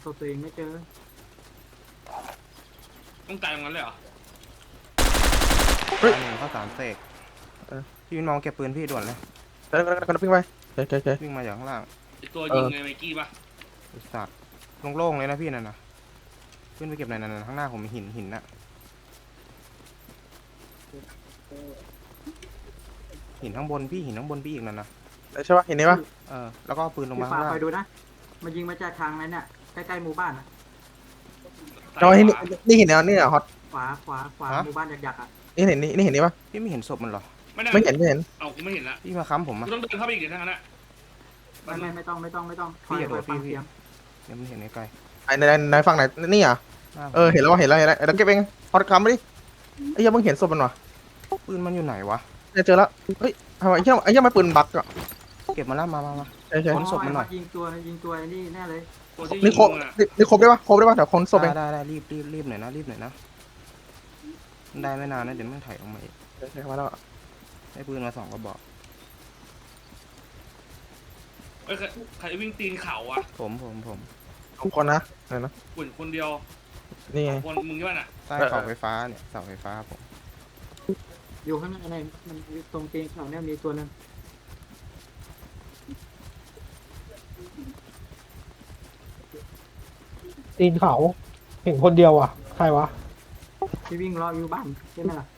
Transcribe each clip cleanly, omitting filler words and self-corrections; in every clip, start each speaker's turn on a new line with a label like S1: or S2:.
S1: ศพตัวเองไม่เจอ
S2: ต้องตายตรงนั้นเลยเหรอ
S3: ตายหนึ่งข้าวสารเสกพี่วินมองเก็บปืนพี่ด่วนเลย
S4: กันวิ่งไปเจ๊
S3: วิ่งมาจากข้างล่าง
S2: ไอตัวยิงไงไมกี้ป่ะ
S3: ไอ้สัตว์โล่งๆเลยนะพี่นั่นนะขึ้นไปเก็บหน่อยนั่นข้างหน้าผมมีหินน่ะหินข้างบนพี่หินข้างบนพี่อีกนั่นนะ
S4: ใช่ปะเห็นนี่ปะ
S3: แล้วก็เอาปืนลง
S1: พี่
S3: มา
S1: ฟ้า
S3: ข้างล่าง
S1: คอยดูนะมายิงมาจากทางนั้นเนี่ยใกล้ๆหมู่บ้านนะ
S4: เราเห็นนี่เห็นแล้วนี่เหรอฮอต
S1: ขวาหมู่บ้านหยักๆอ่ะ
S4: นี่เห็นนี่เห็นนี่ปะ
S3: พี่ไม่เห็นศพมันเหรอ
S4: ไม่เห็น
S2: เอากูไม่เห็นละ
S3: พี่มาค้ำผม
S2: กู
S3: อ่ะ
S2: ต้องเดินเข้าไปอีกเดี๋ยวทางนั้นอะ
S1: ไม่ต้องคอยฟังเสียง
S3: เดี๋ยวมันเห็นไกล
S4: ในฝั่งไหนนี่อ่ะเห็นแล้วเห็นแล้วเราเก็บเองฮอตคำไปดิไอ้ยังมึงเห็นศพมันวะ
S3: ปืนมันอยู่ไหนวะ
S4: เจอแล้วเฮ้ยทำไมไอ้ยังไม่ปืนบักอ่ะ
S3: เก็บมาแล้วมา
S4: ใช่
S3: ค้นศพมันหน่อย
S1: ยิงตัวนี่แน่เลย
S2: ตัวที่ยิ
S4: นี่
S2: ง
S4: ครบ
S2: มึงอะ
S4: นี่ครบได้ปะเดี๋ยวคนศพเอง
S3: ได้รีบหน่อยนะได้ไม่นานนะเดี๋ยวมันถ่ายออกมาอีก
S4: ใช่มาแล้ว
S3: ได้ปืนมา2 กระบอก
S2: เอ้ยใครวิ่งตีนเขาอะ
S3: ผม
S4: 2 คนนะไหนนะ
S2: ปุ่นคนเดียว
S4: นี่ไง
S2: คนมึงใช่ป่ะน่ะ
S3: ใต้เสาไฟฟ้าเนี่ยเสาไฟฟ้าผม
S1: อยู่ข้างในมันตรงเตียงเขาเนี่ยมีตัวนึง
S5: ตีนเขาเห็นคนเดียวอ่ะใครวะ
S1: ที่วิ่งรออยู่บ้านใช่ไหมล่ะ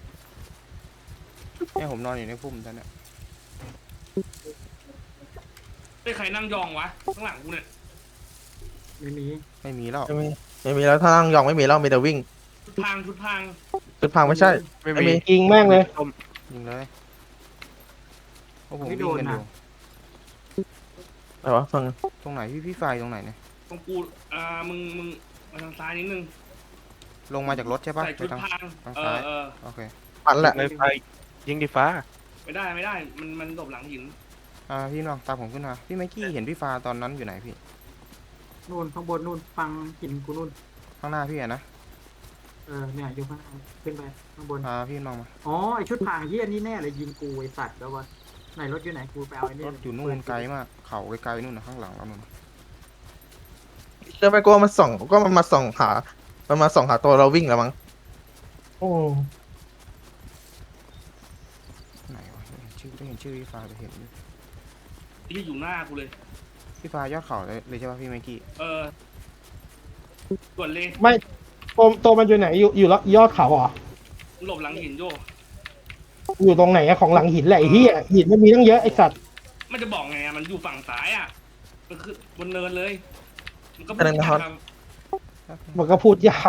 S3: เนี่ยผมนอนอยู่ในพุ่มตอนเนี้ย
S2: ไอ้ใครนั่งยองวะข้างหลังกูเนี่ย
S1: ไม่มี
S3: ไม่มีแล้ว
S4: ไม่มีแล้วถ้านั่งยองไม่มีแล้วมีแต่วิ่ง
S2: ชุดพัง
S4: จุดพังไม่ใช่
S6: ไม่มี
S5: ยิงแม่งเลย
S3: ยิงเลยโอ้ผมวิ่งกันอยู่
S4: อะไรวะฟัง
S3: ตรงไหนพี่ไฟตรงไหนเนี่ย
S2: ตรงกูมึงมาทางซ้ายนิดนึง
S3: ลงมาจากรถใช่ปะ
S2: ใส่ชุด
S3: ทาง
S2: พัง
S3: ซ้าย โอเค
S4: ปั่นแหละ
S6: ในไฟยิงดีฟ้า
S2: ไม่ได้มันหลบหลังหิน
S3: พี่น้องตามผมขึ้นมาพี่ไมค์กี้เห็นพี่ฟ้าตอนนั้นอยู่ไหนพี่
S1: นู่นข้างบนนู่นฟังหินกูนู่น
S3: ข้างหน้าพี่อะนะ
S1: เนี่ยอยู่ข้างขึ้นไปข้างบน
S3: พี่น้องมา
S1: อ๋อไอชุดพรางเฮี้ยนี่แน่เลยยิงกูไอสัตว์แล้ววะไหนรถอยู่ไหนกูไปเอาไอ้นี่
S3: รถอยู่นู่นไกลมากเขาไกลๆนู่นนะข้างหลังเรานู่น
S4: เดินไปกลัวมันส่องก็มันมาส่องหาตัวเราวิ่งแล้วมั้ง
S5: โอ้
S3: ไหนวะได้เห็นชื่อพี่ฟ้าจะเห็นอยู่
S2: ที่อยู่หน้ากูเลย
S3: พี่ฟ้ายอดเขาเลยใช่ปะพี่ไมค์กี้
S2: ส่วนเลย
S5: ไม่ตัวมันอยู่ไหนอยู่ยอดเขาเหรอ
S2: หลบหลังหินโย
S5: อยู่ตรงไหนอะของหลังหินแหละไอ้เหี้ยหินมันมีตั้งเยอะไอ้สัตว์
S2: มันจะบอกไงมันอยู่ฝั่งซ้ายอะมันคือบนเนินเลยมันก็ไม่
S5: มันก็พูดยาก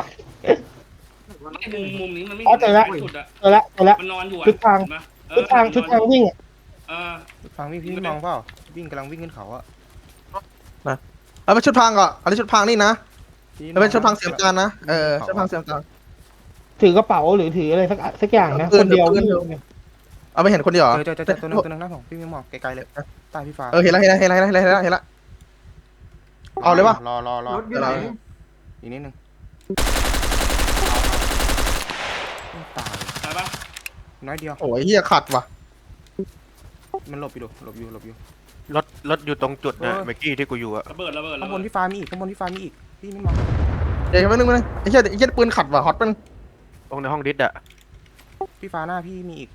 S2: มุมนี้มันไม่
S5: อ๋อเจอแล้ว
S2: สุดอะ
S5: เจอละ
S2: มันนอนอยู่อะ
S5: ชุดทางวิ่งอะ
S3: ฟังพี่มองเปล่าวิ่งกำลังวิ่งขึ้นเขาอะ
S4: เอาเป็นชุดพังก่อนอันนี้ชุดพังนี่นะแล้วเป็นชุดพังเสียมจานนะชุดพังเสียมจาน
S5: ถือกระเป๋าหรือถืออะไรสักอย่างนะคนเดียววิ่ง
S4: เอาไปเห็นคนเดียวเหรอ
S3: เจอตัวนึงนะผมพี่ไม่มองไกลๆเลยใต้พี่ฟ้า
S4: เห็นแล้วเอาเลยวะ
S3: รอ
S1: รถอยู่ไหน
S3: อีกนิดนึงตาย
S2: ใช่ปะ
S3: น้อยเดียว
S4: โอ้ยเฮียขัดว่ะ
S3: มันหลบอยู่
S6: รถอยู่ตรงจุดนะเมื่อกี้ที่กูอยู่อะ
S2: ระเบิด
S3: ข้างบนพี่ฟ้ามีอีกพี่ไม่มอง
S4: เดี๋ยวนึงไอ้เฮียปืนขัดว่ะฮอตมัน
S6: ตรงในห้องดิสอะ
S3: พี่ฟ้าหน้าพี่มีอีก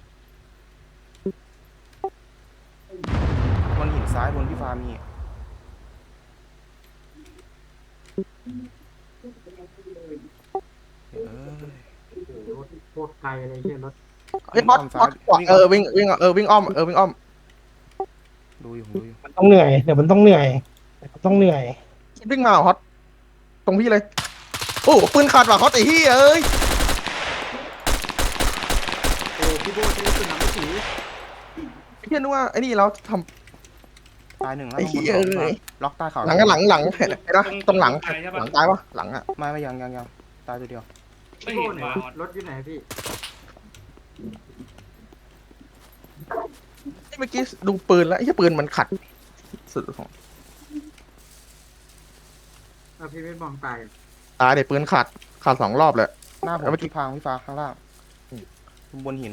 S3: บนหินซ้ายบนพี่ฟ้ามี
S1: รถโคตรไกลเลยเฮี้ยรถ
S4: เฮ้ยฮอตวิ่งอ้อม
S3: ดูอยู่
S5: มันต้องเหนื่อยเดี๋ยวมันต้องเหนื่อย
S4: วิ่งมาฮอตตรงพี่เลยโอ้ปืนขัดว่ะฮอตไอ้เฮียเอ้ย
S1: โอ้พี่โบ้ใช้ปืนหนังไม่ถือ
S4: ไอ้เฮียนึกว่าไอ้นี่เราท
S3: ตายหนึ่งแล้ว
S4: ไอ้เหี้ยเอ้ย
S3: ล็อกใต้เขา
S4: ำหลังเห็นนะตรงหลังตายวะหลังอะ
S3: ไม่ยังตายตัวเดียว
S2: ไม่
S1: พี่
S2: เห็
S1: โบ้
S2: น
S1: ไหน
S2: ว่ะ
S1: วะรถอยู่ไหนพี่
S4: เมื่อกี้ดูปืนแล้วไอ้เฮียปืนมันขัดสุดของ
S1: พี่ไม่มองตาย
S4: ตายเด็ปืนขัด2 รอบเลย
S3: หน้าผมที่พังพี่ฟ้าข้างล่างบนหิน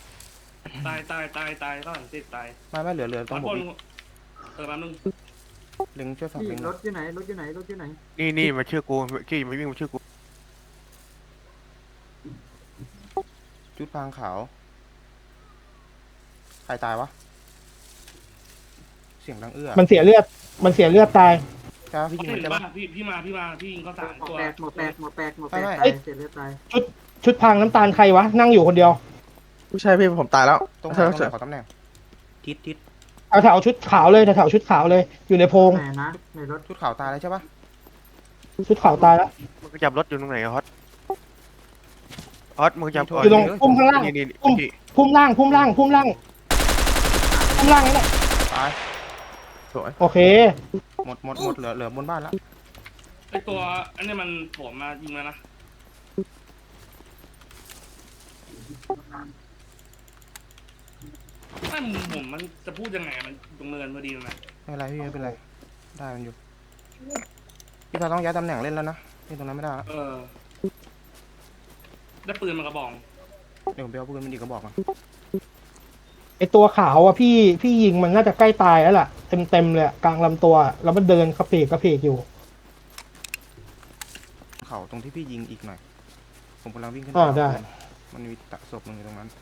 S2: ตายก็หันติดตาย
S3: ไม่เหลือตรงผม
S2: แป๊บนึง
S3: เล็งช่วยฝาก
S1: พี่
S3: เล็ง
S1: รถอยู่ไหนรถอยู่ไหนรถอยู่ไหน
S6: นี่มาชื่อกูเมื่อกี้ไม่วิ่งมาชื่อกู
S3: ชุดพรางขาวใครตายวะเสียงดังเอื้อ
S5: มันเสียเลือดตาย
S3: จ้าพี่ยิง
S2: เห็
S3: มัน
S2: น
S3: ใช่
S2: ปะ
S3: ปะ
S2: พี่มาพี่ยิงเขาสาม
S1: หมด
S2: ตัว
S1: แตกหมดแตกหมดแตกหมดแตก
S3: ไม่
S1: ตา
S3: ไม่
S1: ยเสียเลือดตาย
S5: ชุดพรางน้ำตาลใครวะนั่งอยู่คนเดียว
S4: ไม่ใช่พี่ผมตายแล้ว
S3: ตรงไหน
S4: ใช่
S3: ตรงไห
S4: ใช่
S3: นขอตำแหน่งทิศ
S5: แถวชุดขาวเลยแถวชุดขาวเลย อยู่ในโพรง
S1: ไหนนะในรถ
S3: ชุดขาวตายแล้วใช่ปะ
S5: ชุดขาวตายแล้ว
S6: มึงจับรถอยู่ตรงไหนอะฮอตฮอตมึงจับ
S5: อยู่ตรงพุ่มข้างล่าง
S6: นี่
S5: พุ่ม
S6: พี่
S5: พุ่มล่างนั่นแหละ
S3: ตาย
S4: สวย
S5: โอเค
S3: หมดเหลือบนบ้านแล้ว
S2: ไอตัวอันนี้มันโผล่มายิงแล้วนะไม่ผมมันจะพูดยังไงมันตรงเนินพอดีนะ
S3: ไม่เป็นไรพี่ไม่เป็นไรได้มันอยู่พี่เราต้องย้ายตำแหน่งเล่นแล้วนะนี่ตรงนั้นไม่ได้แล้ว
S2: ได้ปืนมากระบอก
S3: เดี๋ยวผมไปเอาปืนมันดีกระบอกมา
S5: ไอตัวขาวอ่ะพี่ยิงมันน่าจะใกล้ตายแล้วล่ะเต็มเลยอะกลางลำตัวแล้วมันเดินกระเพกอยู่
S3: เขาตรงที่พี่ยิงอีกหน่อยผมกำลังวิ่งขึ้น
S5: ได้
S3: มันมีตะศพหนึ่งอยู่ตรงนั้น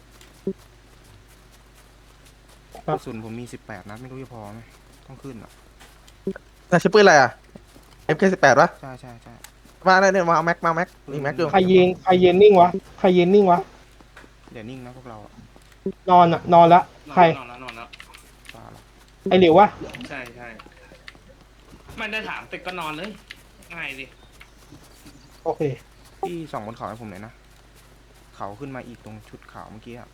S5: ครั
S3: ก
S5: บ
S3: ระสุนผมมี18 นัดไม่รู้จะพอไหมต้องขึ้นอ่ะ
S4: แต่ใช้ปืนอะไรอ่ะ MK18 ปะ
S3: ใช่
S4: มาได้เนี่ยมาเอาแม็กมีแม็กอยู่
S5: ใครยืนนิ่งวะ
S3: เดี๋ยวนิ่งนะพวกเราอะ
S5: นอนละใคร
S2: นอนแล้ว
S3: บ้าละ
S5: ไอหลิววะ
S2: ใช่ไม่ได้ถามแต่ก็นอนเลยง่ายดิ
S5: โอเค
S3: พี่ส่องบนเขาให้ผมหน่อยนะเขาขึ้นมาอีกตรงชุดขาวเมื่อกี้อะ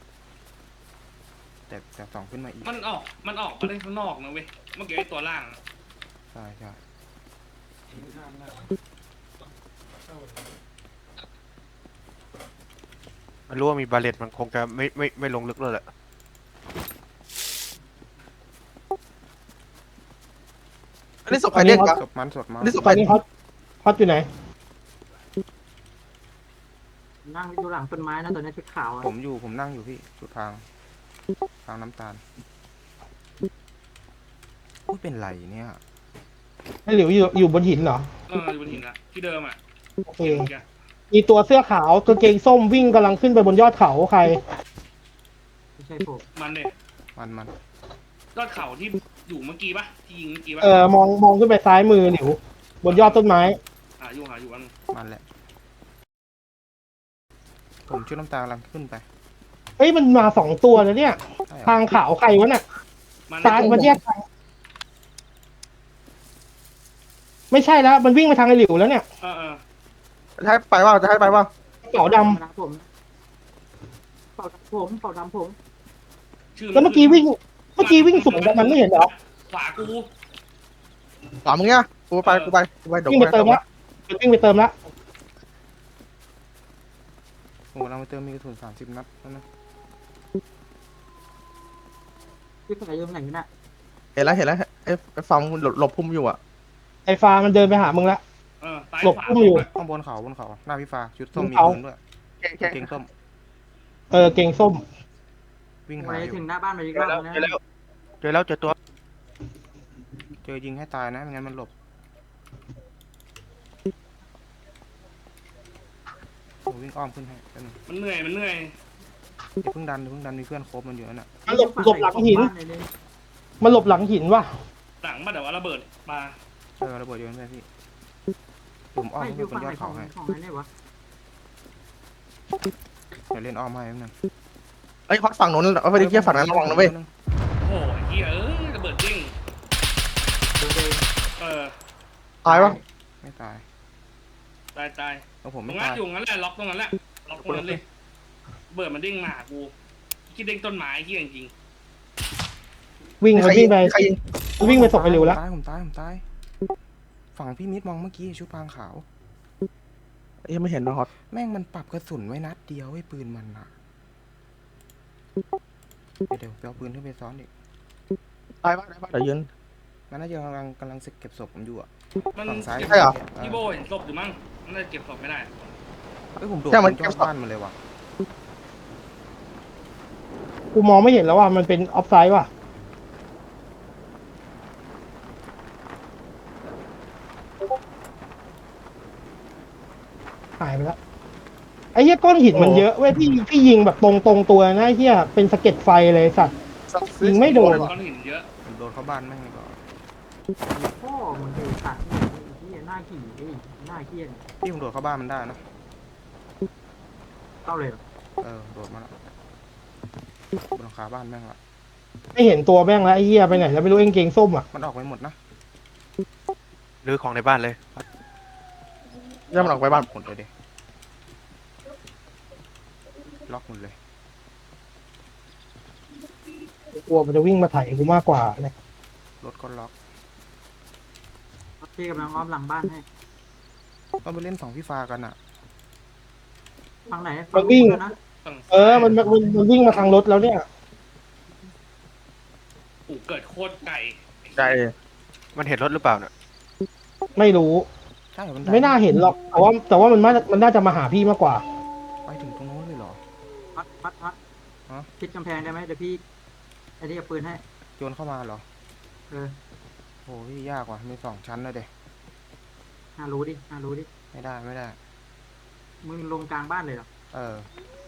S3: แต่ส่องขึ้นมาอีก
S2: มันออกมาเล่นข้างนอกนะเว้ยเมื่อกี้ไอตัวล่าง
S3: ใช่
S6: มันรู้ว่ามีบาเลตมันคงจะไม่ลงลึกเลยแหละ
S4: อันนี้ศพใครเรียกวะ
S3: ศพมัน
S4: อันนี้ศพ
S5: ต
S4: ใค
S5: อ
S4: ร
S5: นนี้ฮอตอยู่ไหน
S1: นั่งอยู่หลังต้นไม้นะตอนนี้ชุดขาวอะ
S3: ผมนั่งอยู่พี่ชุดพรางน้ำตาลพูดเป็นไรเนี่ย
S5: ไอหลิวอยู่บนหินเหรอ
S2: อยู่บนหินอะที่เดิมอะ
S5: โอเค มีตัวเสื้อขาวกางเกงส้มวิ่งกำลังขึ้นไปบนยอดเขาใคร
S1: ไม่ใช่ผม
S2: มันเนี่ย
S3: มัน
S2: ยอดเขาที่อยู่เมื่อกี้ปะที่ยิงเมื่อกี้ปะ
S5: มองขึ้นไปซ้ายมือหลิว บนยอดต้นไม้
S2: หาอยู่อัน
S3: มันแหละผมชุดน้ำตาลกำลังขึ้นไป
S5: เฮ้ยมันมา2 ตัวแล้วเนี่ย
S3: ใช่เหรอ
S5: ทางขาวใครวะเนี่ย
S2: มัน
S5: ซ้ายมันแยกทางไม่ใช่แล้วมันวิ่งไปทางไอหลิวแล้วเนี่ย
S4: จะให้ไปว่าจะให้ไปว่า
S5: เป๋าด
S1: นะผมเป่าดำผม
S2: ชื่
S5: ำแล้วเมื่อกี้วิ่งสวนกันมันไม่เห็นเหรอ
S2: ขวากู
S4: ถามมึงเนี่ยกูไปเดี๋ยว
S5: วิ่งไปเติมละวิ่งไปเติมละ
S3: ผมกำลังไปเติมมีกระสุน30 นัดแล้วนะ
S1: พี่ใส่ยังไหนน่ะ
S4: เห็นแล้วไอ้ฟังหลบพุ่มอยู่อ่ะ
S5: ไอฟ้ามันเดินไปหามึงละ
S2: ตาย
S5: หลบ
S2: ขวา
S5: พุ่มอยู่
S3: ข้างบนเขาหน้าพี่ฟ้าชุดส้มมี
S5: เขา
S3: ปืนด้วย
S4: แค่
S3: เกงส้ม
S5: เกงส้ม
S3: วิ่ง
S1: ไป
S3: หาอยู่
S1: ถึงหน้าบ้านไปอีกรอบนะ
S6: เจอตัว
S3: เจอยิงให้ตายนะไม่งั้นมันหลบผมวิ่งอ้อมขึ้นให้แป๊บนึง
S2: มันเหนื่อย
S3: อย่าเพิ่งดันมีเพื่อนครบมันอยู่นั่นน่ะ
S5: มันหลบหลังหิน มันหลบหลังหินว่ะ
S2: หลังมาแต่ว่าระเบิดมา
S3: ระเบิดโยนไปพี่ผมอ้อม
S1: ไม่อ
S3: ขึ้น
S1: ยู่
S3: ไปบ
S1: ฝั่
S3: น
S1: ง
S3: ย
S1: ไห
S3: อน ด
S1: ขอ
S3: เขา
S1: ง
S3: ให้
S1: ไหนวะ
S3: เดี๋ยวเล่นอ้อมให้แป๊บนึง
S4: ไอ้ฮอตฝั่งนู้นเอาไปดิเกี่ยฝั่งนั้นระวังนะเว้ย
S2: โอ้ยเฮียระเบิดจริง
S1: เดิน
S4: ตายปะ
S3: ไม่ตาย
S2: ตาย
S3: แล้วผม
S2: ตร
S3: ไม่
S2: งนั้
S3: ตาน ย
S2: อยู่งั้นแหละล็อกตรงนั้นแหละล็อกตรงนั้นเลยเบิดมันเด้งมากูคิดเด้งต้นไม้ที่จริง
S5: วิ่งไป
S4: ใครยิง
S5: วิ่งไปส่งไอหลิวละ
S3: ผมตายฝั่งพี่มิดมองเมื่อกี้ชุดพรางขาว
S4: ยังไม่เห็นนะฮอต
S3: แม่งมันปรับกระสุนไว้นัดเดียวไอ้ปืนมันอะเดี๋ยวไปเอาปืนขึ้นไปซ้อนดิ
S4: ตายปะเดี๋ยวยืน
S3: มันน่าจะกำลังเก็บศพผมอยู่อะ
S2: มัน
S3: ฝั่งซ้าย
S4: ใช่เหรอ
S2: พี่โบเห็นศพอยู่มั้งน่าจะเก็บศพไม่ได้
S3: เฮ้ยผมโดด
S4: ใช่มัน
S3: จ
S4: เก็
S3: อบ ด
S4: ศพ
S3: บ้านมันเลยว่ะ
S5: กูมองไม่เห็นแล้วว่ะมันเป็นออฟไซด์ว่ะหายไปแล้วไอ้เหี้ยก้อนหินมันเยอะเว้ยพี่ยิงแบบตรงตัวนะไอ้เหี้ยเป็นสะเก็ดไฟเลยสัตว์ยิงไม่โดน
S2: ก้อนหินเยอะ
S3: ผมโดนเข้าบ้านแม่งเลยก่อน
S1: พ่อมึงไอ้สัตว์ไอ้เหี้ยหน้าขี่ไอ้หน้าเหี้ย
S3: พี่ผมโดดเข้าบ้านมันได้นะ
S1: เข้าเลยเหรอ
S3: โดดมาแล้วบนหลังคาบ้านแม่งละ
S5: ไม่เห็นตัวแม่งแล้วไอ้เหี้ยไปไหนแล้วไม่รู้เองเกงส้มอ่ะ
S3: มันออกไปหมดนะ
S6: รื้อของในบ้านเลย
S4: ย่ามันออกไปบ้าน
S3: หมดเลยดิล็อกหมดเลย
S5: กลัวมันจะวิ่งมาไถ่กูมากกว่าเนี่ย
S3: รถก็ล็อก
S1: พี่กำลังอ้อมหลังบ้านให้
S3: ต้องไปเล่นสองพี่ฟ้ากันอ่ะ
S1: ฝั่งไหน
S5: มันวิ่ง
S1: นะ
S2: ฝั่ง
S5: มันวิ่งมาทางรถแล้วเนี่ย
S2: กูเกิดโคตรไก่
S4: ใจ
S6: มันเห็นรถหรือเปล่าเนี่ย
S5: ไม่รู้
S3: ใช่มัน
S5: ไม่น่าเห็นหรอกแต่ว่ามันน่าจะมาหาพี่มากกว่า
S3: ไปถึงตรงโน้นเลยเหรอ
S1: พัด
S3: ฮะ
S1: พิดกำแพงได้ไหมเดี๋ยวพี่ไอ้นี่กับปืนให้
S3: โยนเข้ามาเหรอ
S1: เออ
S3: โหพี่ยากว่ะมี2 ชั้นเลยเด็
S1: น่ารู้ดิ
S3: ไม่ได้ไม่ได้
S1: มึงลงกลางบ้านเลยเหรอ
S3: เออ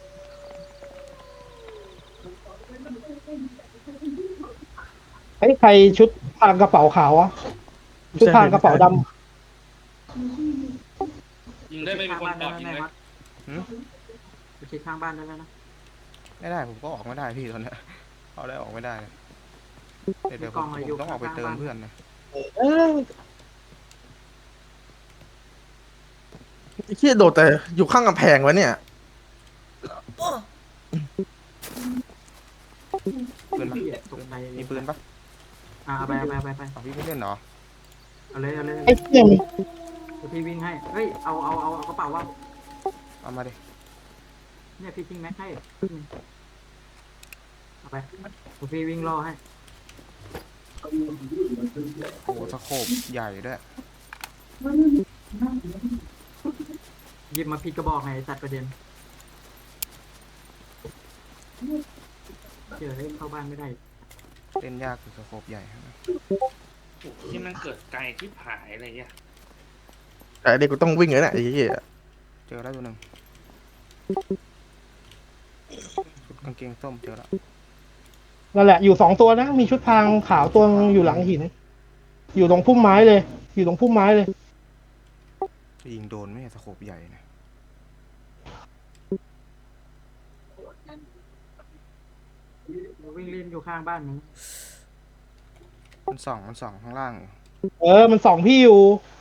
S5: ไอ้ใครชุดพรางกระเป๋าขาวอะชุดพรางกระเป๋าดำ
S2: ยิงได้ไม่มีคนตอบยิงเลย
S3: หืม
S1: ไปเช็คข้างบ้านได้แล้วนะ
S3: ไม่ได้ผมก็ออกไม่ได้พี่ตอนเนี้ยเอาได้ออกไม่ได้เลยเดี๋ยวผมต้องออกไปเติมเพื่อนนะ
S5: เออ
S4: ไอ้เหี้ยโดดแต่อยู่ข้างกำแพงวะเนี่ย
S3: ปืนปะ
S1: เหี้ยตกใจ
S3: มีปืนปะ
S1: เอาไป
S3: เอาพี่ไม่เล่นเหรอ
S1: เอาเลย
S5: ไอ้เหี้ยมัน
S1: เดี๋ยวพี่วิ่งให้เฮ้ยเอากระเป๋าว่า
S3: เอามาดิ
S1: เนี่ยพี่ทิ้งแม็กให้เอาไปเดี๋ยวพี่วิ่งรอให้
S3: โอ้สโคปใหญ่ด้วย
S1: หยิบมาผิดกระบอกไงจัดประเด็นเจอให้เข้าบ้านไม่ได้
S3: เล่นยากคือสโคปใหญ่นะ
S2: โอ้โหที่มันเกิดไก่ที่ผายอะไรเงี้ย
S4: แต่เด็กกูต้องวิ่งเลยนะไอ้เหี้ย
S3: เจอแล้วตัวหนึ่งชุดกางเกงส้มเจอแล้ว
S5: นั่นแหละอยู่2 ตัวนะมีชุดพรางขาวตัวนึงอยู่หลังหิน อยู่ตรงพุ่มไม้เลย อยู่ตรงพุ่มไม้เลย
S3: ยิงโดนไม่ใช่สโคปใหญ่นะ
S1: วิ่งเล่นอยู่ข้างบ้านมึง
S3: มันส่องข้างล่างอยู่
S5: มันส่องพี่อยู่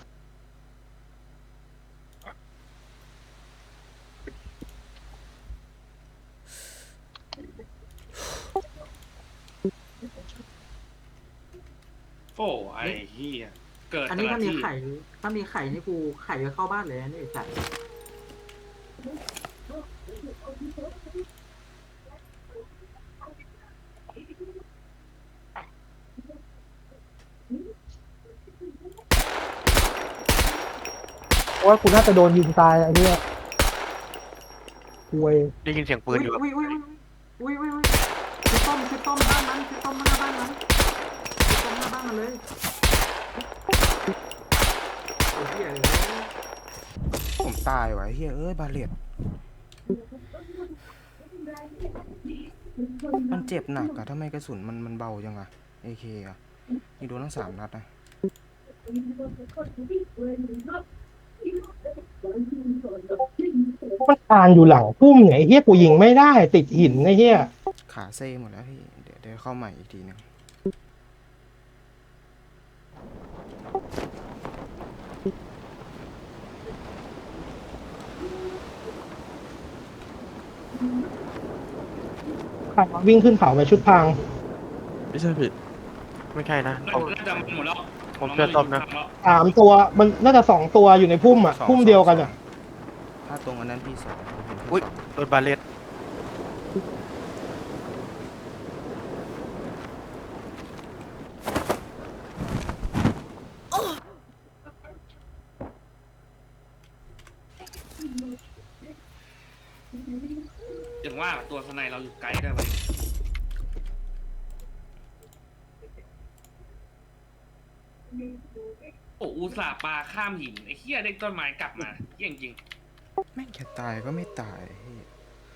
S2: โอ้ไอ้เหี้ยเกิด
S1: อันนี้
S2: แต่
S1: ถ้า
S2: ละ
S1: มี
S2: ที่
S1: ไข่นี่กูไข่ก็เข้าบ้านเลยนะนี่ไอ้สัตว์
S5: เพราะว่ากูน่าจะโดนยิงตายไอ้เหี้ยคุย
S6: ได้ยินเสียงปืนอยู่อะ
S1: อุ้ยคือต้มบ้านมันคือต้มหน้าบ้านมันคือต้มหน้าบ้านมันเลยโอ้ยเหี้ยเลย
S3: ผมตายว่ะไอ้เฮ้ยเอ้ยบาเลตมันเจ็บหนักอะทำไมกระสุนมันเบาจังอะAKอะนี่โดนทั้ง3 นัดนะ
S5: มันคานอยู่หลังพุ่มไงไอ้เหี้ยกูยิงไม่ได้ติดหินไอ้เหี้ย
S3: ขาเซ่หมดแล้วพี่เดี๋ยวเข้าใหม่อีกทีหนึง
S5: วิ่งขึ้นเขาไปชุดพราง
S4: ไม่ใช่ผิด
S6: ไม่ใช่นะ
S2: น่าจะหมดแล้ว
S6: ผมเชื่อต้มนะ
S5: 3 ตัวมันน่าจะ2 ตัวอยู่ในพุ่มอ่ะพุ่มเดียวกันอ่ะ
S3: ถ้าตรงอันนั้นพี่2ผมเห็นพี่
S6: อุ้ย
S3: สอง
S6: โดนบาเลต
S2: อย่างว่าตัวสไนเราอยู่ไกลได้ไว้ยโอ้อุตส่าห์ปลาข้ามหินไอ้เหี้ยเด็กต้นไม้กลับมาเหี้ยจริง
S3: แม่งจะตายก็ไม่ตายเหี้ย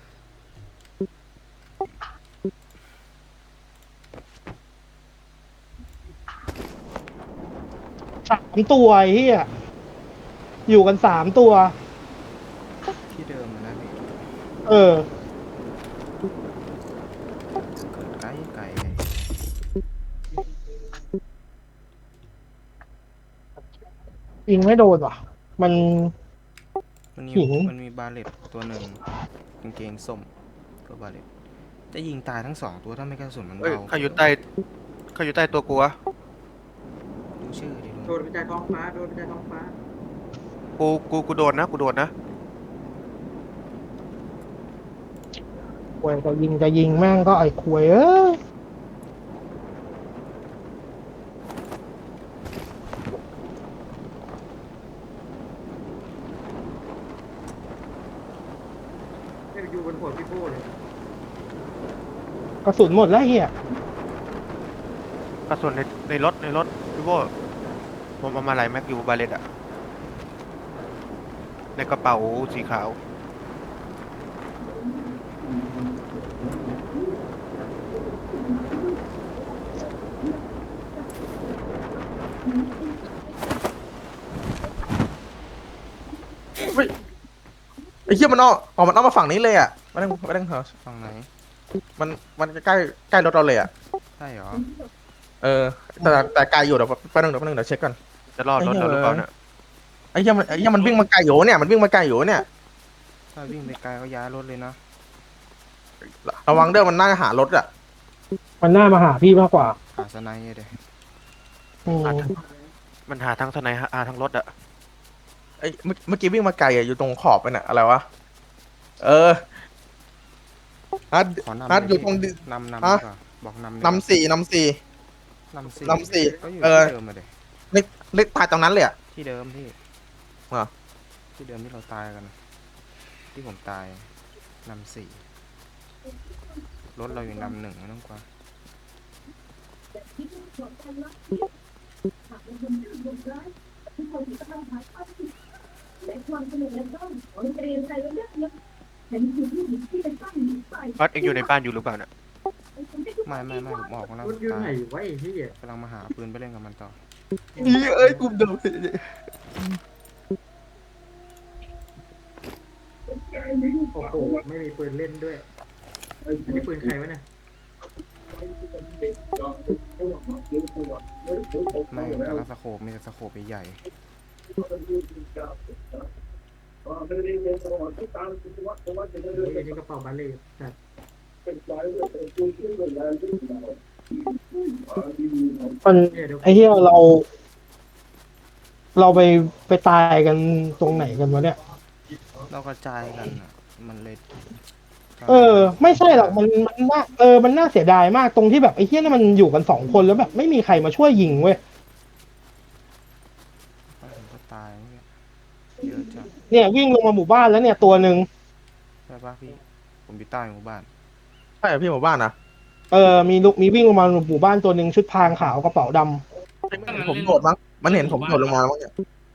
S5: 3 ตัวไอ้เหี้ยอยู่กัน3 ตัว
S3: ที่เดิมนะพี่
S5: เออ
S3: เกิดไกลไกลเลย
S5: ยิงไม่โดนว่ะ มัน
S3: มันมี
S5: หิน
S3: มันมีบาเลตตัวหนึ่งกางเกงส้มก็บาเลตจะยิงตายทั้ง2 ตัวถ้าไม่กระสุนมัน
S6: เอ้ย
S3: เบา
S6: ใครอยู่ใต้ตัวกูวะ
S3: ดูชื่อดิ
S1: โดนไปจากท้องฟ้าโดนไปจากท้องฟ้า
S6: กูโดนนะกูโดนนะ
S5: ควยจะยิงแม่งก็ไอ้ควยเอ้ย
S1: ไม่ไปอยู่บนหัวพี่โบ้เลย
S5: กระสุนหมดแล้วเฮีย
S6: กระสุนในรถพี่โบผมเอามาหลายแม็กอยู่บาเลตอะในกระเป๋าสีขาว
S4: ไอ้เหี้ยมันมันเอามาฝั่งนี้เลยอ่ะไม่ต้องเหรอ
S3: ฝั่งไหน
S4: มันใกล้รถเราเลยอ่ะ
S3: ใช่เหรอ
S4: เออแต่ไกลอยู่เดี๋ยวแป๊บนึงเดี๋ยวเช็คก่อน
S6: จะรอดรถเราหรือเปล่าเนี่ย
S4: ไอ้เหี้ยมันวิ่งมาไกลอยู่เนี่ยมันวิ่งมาไกลอยู่เนี่ย
S3: ถ้าวิ่งไปไกลก็ย้ายรถเลยนะ
S4: ระวังเด้อมันน่าจะหารถอ่ะ
S5: มันน่ามาหาพี่มากกว่า
S3: หาสไนเดย
S5: อืม
S6: มันหาทั้งทนายหาทั้งรถอะ
S4: ไอ้เมื่อกี้วิ่งมาไกลอ่ะอยู่ตรงขอบไปน่ะอะไรวะเออฮัท
S3: ขอนำ
S4: ฮัท
S3: เล
S4: อยู่
S3: พี่
S4: ตรง
S3: นำ
S4: ฮะ
S3: ดีกว่าบอกนำดีกว่าน
S4: ำสี่
S3: นำสี่
S4: นำสี่
S3: ก็อยู่
S4: เออ
S3: ที่เดิมมาเดย
S4: เล็กตายตรงนั้นเลยอ่ะ
S3: ที่เดิมพี่
S4: เหรอ
S3: ที่เดิมที่เราตายกัน ที่ผมตายนำ4รถเราอยู่นำ1ไม่ต้องกลัว
S6: รถเองอยู่ในบ้านอยู่หรือเปล่าเนี่ย
S3: ไม่ผมออกมาแล้ว
S1: รถอยู่
S3: ตา
S1: ไหน
S3: ยว
S1: ะไอ้เหี้ย
S3: กำลังมาหาปืนไปเล่นกับมันต่อ
S4: เอ้ยกูโดน
S1: โอ้โหไม่มีปืนเล่นด้วยอันนี้ปืนใครวะเนี่ย
S3: ไม่แล้วสโคปมีแต่สโคปใหญ่
S1: ไอ้นี่กระเป๋าบาเล่แต่
S5: มัน
S1: เนี่ยเดี๋ยว
S5: ไอ้เฮียเราไปตายกันตรงไหนกันวะเนี่ย
S3: ๆเรากระจายกันอะมันเลย
S5: เออ ไม่ใช่หรอกมันน่ามันน่าเสียดายมากตรงที่แบบไอ้เฮียนี่มันอยู่กัน2 คนแล้วแบบไม่มีใครมาช่วยยิงเว้ย
S3: ผมก็ตายเนี่ยเยอะจัง
S5: เนี่ยวิ่งลงมาหมู่บ้านแล้วเนี่ยตัวหนึ่ง
S3: ใช่ปะพี่ผมอยู่ใต้หมู่บ้าน
S4: ใช่เหรอพี่หมู่บ้านนะ
S5: มีวิ่งลงมาหมู่บ้านตัวหนึ่งชุดพรางขาวกระเป๋าดำ
S4: ผมโดดมั้งมันเห็นผมโดดลงมามั้งเนี่ย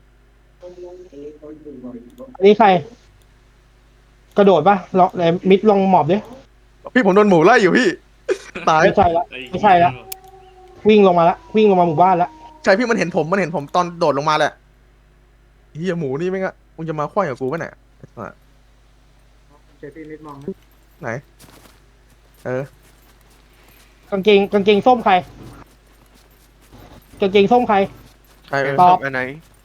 S5: อันนี้ใคร กระโดดปะลองมิดลองหมอบดิ
S4: พี่ผมโดนหมูไล่อยู่พี่ตาย
S5: ไม่ใช่ละไม่ใช่ละวิ่งลงมาหมู่บ้านละ
S4: ใช่พี่มันเห็นผมตอนโดดลงมาแหละเฮียหมูนี่ไม่งะมึงจะมาคว้ากับกูปะเนี่ยอ่ะ
S1: เจอพี่นิดมองนะ
S4: ไหนเออก
S5: างเกงส้มใครกางเกงส้มใคร
S4: ใช่
S5: ตอบ
S6: อันไหน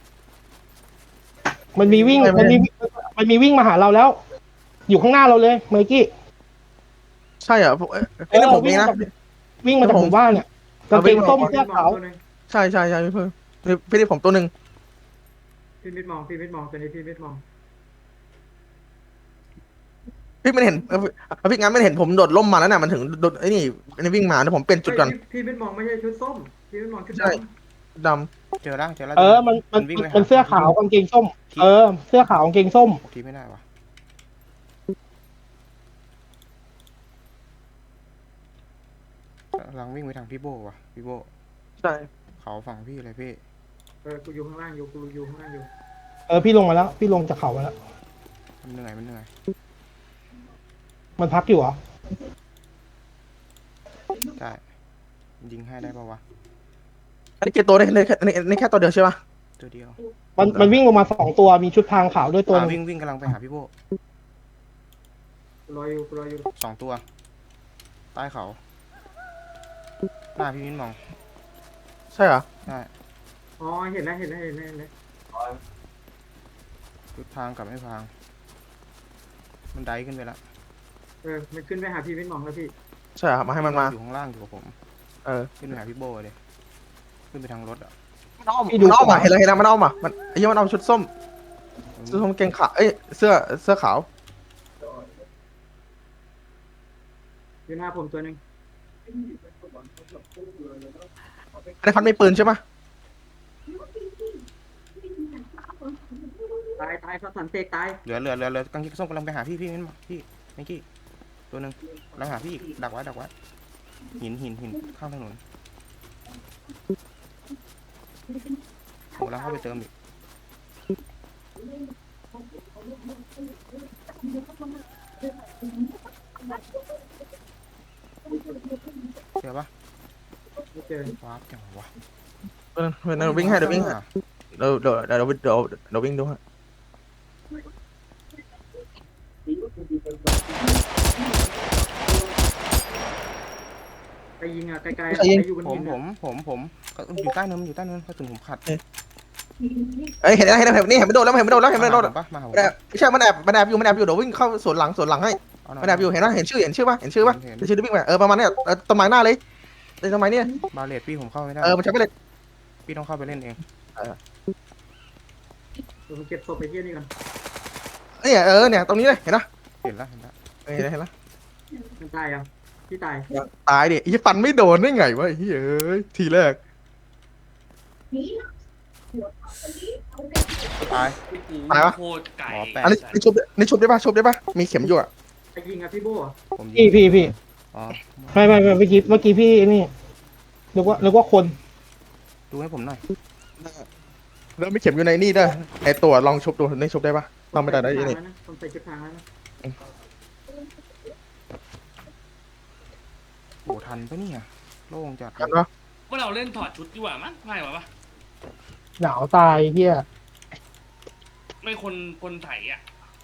S5: มันมีวิ่งมาหาเราแล้ว อยู่ข้างหน้าเราเลยเมอร์กี้
S4: ใช่เหรอไอ้นี่ผมเองนะ
S5: วิ่งมาจากหมู่บ้านเนี่ยกางเกงส้มเสื้อขาว
S1: ตัวนึง
S4: ใช่พี่เพิ่งพี่นี่ผมตัวหนึ่ง
S1: พี่มิดมองตัวนี้พี่มิดมอง
S4: พี่มันเห็นพี่งั้นมันเห็นผมโดดล่มมาแล้วน่ะมันถึงโดดไอ้นี่วิ่งมาแล้วผมเปลี่ยนจุดก่อน
S1: พี่มิดมองไม่ใช่ชุดส้มพี่มิดมองชุด
S4: ใช่
S1: ดำ
S4: ด
S3: เจอแล้วเจอแล้ว
S5: มัน
S3: วิ่งไปหา
S5: มันเสื้อขาวกางเกงส้ม เสื้อขาวกางเกงส้ม
S3: ทีไม่ได้วะกำลังวิ่งไปทางพี่โบว่ะพี่โบ
S4: ำใช่
S3: เขาฝั่งพี่เลยพี่
S1: กูอยู่ข้างล่างอยู่กูอยู่ข้างล่างอยู่
S5: พี่ลงมาแล้ว พี่ลงจากเขามาแล้ว
S3: ผมันเหนื่อยมันเหนื่อย
S5: มันพักอยู่เหรอ
S3: ได้ยิงให้ได้ปะวะ
S4: อันนี้กี่ตัวเนี่ยในแค่ตัวเดียวใช่ปะ
S3: ตัวเดียว
S5: มันวิ่งลงมา2 ตัวมีชุดพรางขาวด้วยตัวหนึง
S3: วิ่งกำลังไปหาพี่โบ
S1: รออยู่
S3: 2 ตัวใต้เขาหน้าพี่มิ้นมอง
S4: ใช่เหรอ
S3: ได้
S1: อ๋อเห็นแล้ว
S3: ชุดพรางกับไม่พรางมันไดขึ้นไปละ
S1: มันขึ้นไปหาพี่วินมองแล้วพี่
S4: ใช่เหรอมาให้มันมา
S3: อยู่ข้างล่างอยู่กับผม
S4: เออ
S3: ขึ้นไปหาพี่โบเลยขึ้นไปทางรถอ่ะ
S4: มันอ้อมอ่ะเห็นแล้วมันอ้อมอ่ะมันไอ้ยี่มันเอาชุดส้มเกงขาวเสื้อขาว
S1: อยู่หน้าผมตัวหนึ่ง
S4: ในพันไม่ปืนใช่ปะ
S1: ตายเขาสันเตกตาย
S3: เหลือกางเกงส้มกำลังไปหาพี่มิ้นมองพี่เมื่อกี้ตัวหนึ่งกำลังหาพี่อีกดักไว้หินข้างถนนผมกำลังเข้าไปเติมอีกเจอปะ
S1: ไม่เจอ
S3: วาร์ปจังวะ
S4: เดี๋ยววิ่งให้เดี๋ยววิ่งดูฮะ
S1: ไปยิงอ่ะไกลๆไปอยู่บน
S3: ผม
S1: หิน
S3: ผมก็อยู่ใต้เนินกระสุนผมขัด
S4: เห็นนี่เห็นไม่โดนแล้วเห็นไม่โดน
S3: มาหาผมปะมาหาผม
S4: ไม่ใช่มันแอบอยู่เดี๋ยววิ่งเข้าสวนหลังให้
S3: เอาหน่
S4: มันแอบอยู่เห็นชื่อปะเดี๋ยวชื่อวิ่งไปประมาณเนี้ยต้นไม้หน้าเลยต้นไม้เนี่ย
S3: บาเลตพี่ผมเข้าไม่ได้
S4: มันใช้ไปเลย
S3: พี่ต้องเข้าไปเล่นเอง
S1: ผมเก็บศพไปเที่ยนี่ก่อน
S4: เนี่ยตรงนี้เลยเห็นนะ
S3: เห็นแล้ว
S4: เห็นนะ
S1: มันตายอ่ะพี่ตาย
S4: ตายดิไอ้ฟันไม่โดนได้ไงวะไอ้เฮ้ยทีแรก
S3: ตาย
S2: โคตรไก่
S3: หมอแปะ
S4: อันนี้ชุบได้ปะมีเข็มอยู่อ่ะ
S1: ไปยิงอ่ะพี่โบ้
S3: ผมยิง
S5: พี่
S3: อ๋อ
S5: ไม่เมื่อกี้พี่นี่นึกว่าคน
S3: ดูให้ผมหน่อย
S4: แล้วมีเข็มอยู่ในนี่ด้วยไอตัวลองชุบดูนี่ชุบได้ปะลองไม่ได้ได้ยังไง
S1: ผมใส่ชุดทางแล้วนะ
S3: โหทันปะเนี่ยโล่งจัด
S4: กันปะ
S2: ว่าเราเล่นถอดชุดดีกว่ามั้งง่ายกว่าปะ
S5: หนาวตายเฮีย
S2: ไม่คนไถอ่ะ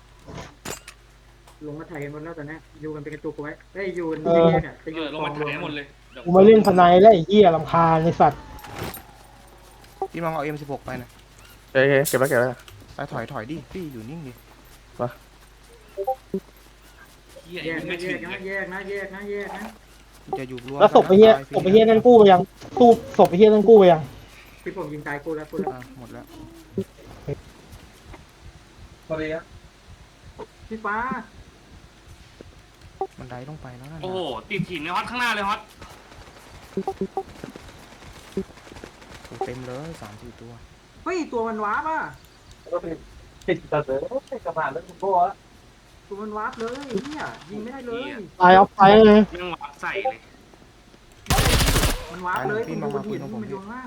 S1: ลงมาถ่ายกันหมดแล้วตอนนี้อยู่กันเป็นกระจุกไว้ได้อยู่เนี่ยจะอยู่
S2: ลงมาไถหมดเลยเดี๋ยว
S5: กูมาเล่นทนายแล้วไอ้เฮียรำคาญไอ้สัตว์
S3: พี่มองเอา M16 ไปนะ
S4: เก็บไว้
S3: ไปถอยดิพี่อยู่นิ่งดิ
S2: เฮีย
S1: แยก
S2: ไม่
S1: นะ
S2: ถึง
S1: แยกนะ
S3: จะอยู่รวม
S5: แล้วศพไอ้เฮียนั่นกู้ไปยังตู้ศพไอ้เฮียนั่นกู้ไปยัง
S1: ที่ผมยิงตายกูแล้ว
S3: หมดแล้ว
S1: พี่ฟ้า
S3: มันไดต้องไปแล้วนั่น
S2: โอ้โหติดหินในฮอตข้างหน้าเลยฮอต
S3: เต็มเลย3-4 ตัว
S1: เฮ้ยตัวมันวาร์ปอ่ะตัวมันวาร์ปเลยเนี่ยยิงไม่ได้เลย
S5: ตายเอาไปเลย
S2: แม่งวับใส่เลย
S1: มันวาร์ปเลยมันอยู่บนหินมันอยู่ล่าง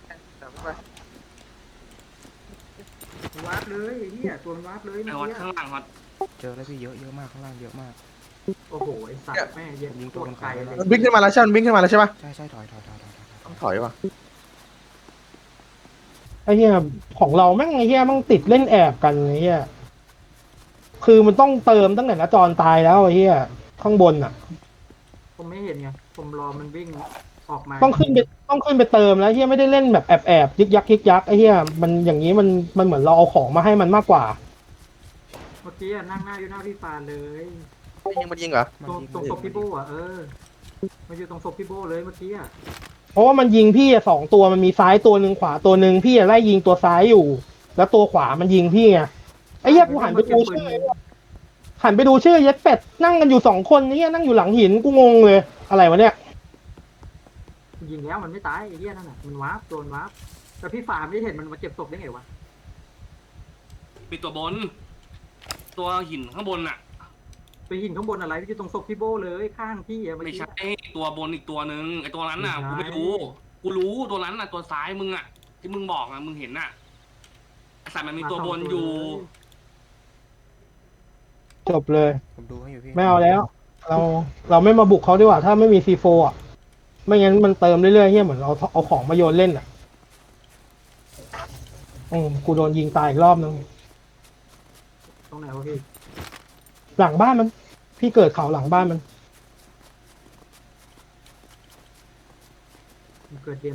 S1: วาร์ปเลยเนี่ยตัวมันวาร์ปเลย
S2: ไอฮอตข้างหลังฮอต
S3: เจอแล้วพี่เยอะมากข้างล่างเยอะมาก
S1: โอ้โหไอสัตว์แม่เย็นโคตรไกลเลย
S4: มันวิ่งขึ้นมาแล้วใช่ปะ
S3: ใช่ถอย
S4: ต้องถอยว่ะ
S5: ไอ้เฮียของเราแม่งไอ้เฮียแม่งติดเล่นแอบกันไอ้เฮียคือมันต้องเติมตั้งแต่ณจรตายแล้วไอ้เฮียข้างบนอ่ะ
S1: ผมไม่เห็นไงผมรอมันวิ่งออกมา
S5: ต้องขึ้นไปเติมแล้วเฮียไม่ได้เล่นแบบแอบยึกยักไอ้เฮียมันอย่างนี้มันเหมือนเราเอาของมาให้มันมากกว่า
S1: เมื่อกี้นั่งหน้าอยู่หน้าพี่ฟานเลย
S4: มันยิงเหรอ
S1: ตรงศพพี่โบ้อะมันอยู่ตรงศพพี่โบ้เลยเมื่อกี้อะ
S5: เพราะว่ามันยิงพี่อะ2 ตัวมันมีซ้ายตัวหนึ่งขวาตัวหนึ่งพี่อะไล่ยิงตัวซ้ายอยู่ แล้วตัวขวามันยิงพี่ไงไอ้เหี้ยกูหันไปดูชื่อเย็ดเป็ดนั่งกันอยู่2 คนนี่นั่งอยู่หลังหินกูงงเลยอะไรวะเนี่ย
S1: ยิงแล้วมันไม่ตายไอ้เหี้ยนั่นน่ะมันวาร์ปโดนวาร์ปแต่พี่ฟานไม่เห็นมันมาเก็บศพได้ไงวะ
S2: มีตัวบน ตัวหินข้างบนอ่ะ
S1: ไปหินข้างบนอะไรพี่อยู่ตรงศพพี่โบ้เลยข้างพี่อะเมื่อ
S2: ไม่
S1: กี้
S2: ใช่ตัวบนอีกตัวหนึ่งไอตัวนั้นน่ะกูไม่รู้กูรู้ตัวนั้นน่ะตัวซ้ายมึงอ่ะที่มึงบอกอ่ะมึงเห็นน่ะไอสัตว์มันมีตัวบนอยู่
S5: จบเลย
S3: ผมดูให้อยู่พี่
S5: ไม่เอาแล้ว เราไม่มาบุกเขาดีกว่าถ้าไม่มีซีโฟอ่ะ ไม่งั้นมันเติมเรื่อยๆเฮียเหมือนเอาของมาโยนเล่นอ่ะกูโดนยิงตายอีกรอบนึง
S1: ตรงไหนวะพี่
S5: หลังบ้านมัน พี่เกิดเขาหลังบ้านมัน
S1: เกิดเกม